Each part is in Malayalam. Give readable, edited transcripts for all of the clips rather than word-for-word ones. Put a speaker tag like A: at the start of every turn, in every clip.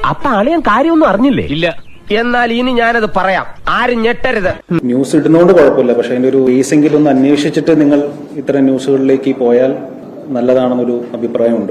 A: അപ്പൊ അളിയൻ കാര്യമൊന്നും അറിഞ്ഞില്ലേ?
B: ഇല്ല.
A: എന്നാൽ ഇനി ഞാനത് പറയാം, ആരും ഞെട്ടരുത്.
C: ന്യൂസ് ഇടുന്നോണ്ട് കുഴപ്പമില്ല, പക്ഷെ അതിന്റെ ഒരു ബേസെങ്കിലും ഒന്ന് അന്വേഷിച്ചിട്ട് നിങ്ങൾ ഇത്തരം ന്യൂസുകളിലേക്ക് പോയാൽ നല്ലതാണെന്നൊരു അഭിപ്രായമുണ്ട്.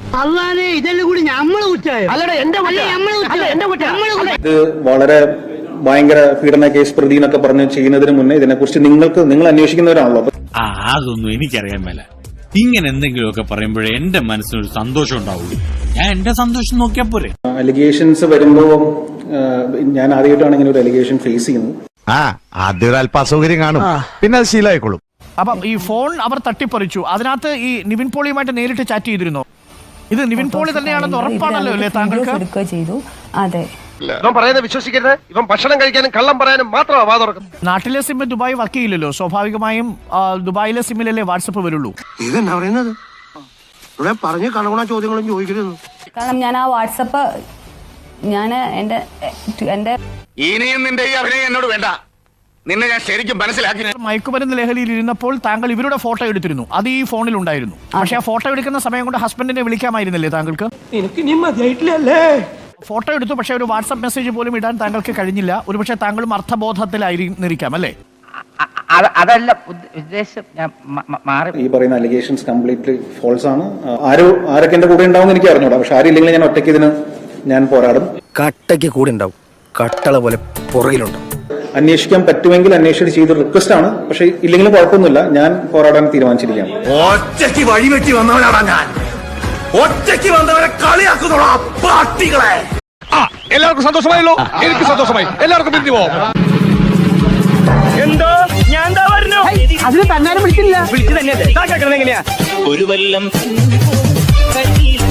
C: ഇത് വളരെ ഭയങ്കര പീഡന കേസ് പ്രതി എന്നൊക്കെ പറഞ്ഞ് ചെയ്യുന്നതിന് മുന്നേ ഇതിനെക്കുറിച്ച് നിങ്ങൾ അന്വേഷിക്കുന്നവരാണല്ലോ.
D: അതൊന്നും എനിക്കറിയാൻ മേല. ഇങ്ങനെ എന്തെങ്കിലുമൊക്കെ പറയുമ്പോഴേ എന്റെ മനസ്സിനൊരു സന്തോഷം ഉണ്ടാവുള്ളൂ. ഞാൻ എന്റെ സന്തോഷം നോക്കിയാ പോരെ.
C: അലിഗേഷൻസ് വരുമ്പോ ഞാൻ ആദ്യമായിട്ടാണ് ഇങ്ങനെ ഒരു അലിഗേഷൻ ഫേസ് ചെയ്യുന്നത്.
E: ആദ്യം ഒരു അല്പ അസൗകര്യം കാണും, പിന്നെ അത് ശീലമായിക്കോളും.
F: അപ്പം ഈ ഫോൺ അവർ തട്ടിപ്പറിച്ചു. അതിനകത്ത് ഈ നിവിൻ പോളിയുമായിട്ട് നേരിട്ട് ചാറ്റ് ചെയ്തിരുന്നോ? ഇത് നിവിൻ പോളി തന്നെയാണെന്ന് ഉറപ്പാണല്ലോ അല്ലേ താങ്കൾക്ക്?
G: ചെയ്തു. അതെ,
B: ഇവൻ പറയുന്നത് വിശ്വസിക്കരുത്. ഇവൻ ഭക്ഷണം കഴിക്കാനും കള്ളം പറയാനും മാത്രമാണ് വാ തുറക്കുന്നത്.
F: നാട്ടിലെ സിം ദുബായ് വർക്ക് ചെയ്യില്ലല്ലോ. സ്വാഭാവികമായും ദുബായിലെ സിമ്മിലല്ലേ വാട്സപ്പ് വരുള്ളൂ.
B: ഇതെന്നാ പറയുന്നത്? ഇവിടെ പറഞ്ഞ് കണകുണ ചോദ്യങ്ങളും ചോദിക്കരുത്.
G: കാരണം ഞാൻ ആ വാട്സപ്പ് എന്റെ
E: ഇനിയും നിന്റെ ഈ അഭിനയം എന്നോട് വേണ്ട. നിന്നെ ഞാൻ ശരിക്കും മനസ്സിലാക്കി.
F: മയക്കുമരുന്ന് ലഹരിയിൽ ഇരുന്നപ്പോൾ താങ്കൾ ഇവരുടെ ഫോട്ടോ എടുത്തിരുന്നു. അത് ഈ ഫോണിൽ ഉണ്ടായിരുന്നു. പക്ഷെ ആ ഫോട്ടോ എടുക്കുന്ന സമയം കൊണ്ട് ഹസ്ബൻഡിനെ വിളിക്കാമായിരുന്നില്ലേ താങ്കൾക്ക്? ഫോട്ടോ എടുത്തു, പക്ഷെ ഒരു വാട്സ്ആപ്പ് മെസ്സേജ് പോലും ഇടാൻ താങ്കൾക്ക് കഴിഞ്ഞില്ല. ഒരുപക്ഷെ താങ്കളും അർത്ഥബോധത്തിലായിരിക്കാം അല്ലേ?
H: അതല്ല ഉദ്ദേശം. ഞാൻ മാറി.
C: ഈ പറയുന്ന അലിഗേഷൻസ് കംപ്ലീറ്റ്ലി ഫോൾസ് ആണ്. ആരൊക്കെ എന്റെ കൂടെ ഉണ്ടാവും എനിക്ക് അറിഞ്ഞൂടാ. പക്ഷെ ആരില്ലെങ്കിൽ ഞാൻ ഒറ്റയ്ക്ക് ഇതിന് ഞാൻ പോരാടും.
A: കട്ടയ്ക്ക് കൂടെ ഉണ്ടാവും, കട്ടള പോലെ പുറകിലുണ്ട്.
C: അന്വേഷിക്കാൻ പറ്റുമെങ്കിൽ അന്വേഷിച്ച് ചെയ്ത് റിക്വസ്റ്റ് ആണ്. പക്ഷെ ഇല്ലെങ്കിലും കുഴപ്പമൊന്നുമില്ല, ഞാൻ പോരാടാൻ തീരുമാനിച്ചിരിക്കുകയാണ്.
E: ഒറ്റയ്ക്ക് വഴിവെട്ടി വന്നവനാണ് ഞാൻ. ഒറ്റയ്ക്ക് വന്നവരെ കളിയാക്കുന്നുള്ള പാർട്ടികളെ. എല്ലാവർക്കും സന്തോഷമായല്ലോ? എനിക്ക് സന്തോഷമായി. എല്ലാവർക്കും പിരിഞ്ഞു പോവാം.
A: എന്തോ ഞാൻ എന്താ പറഞ്ഞു? അതിന് തന്നാലും വിളിച്ചില്ല. വിളിച്ചു തന്നെ എങ്ങനെയാ? ഒരു വല്ലം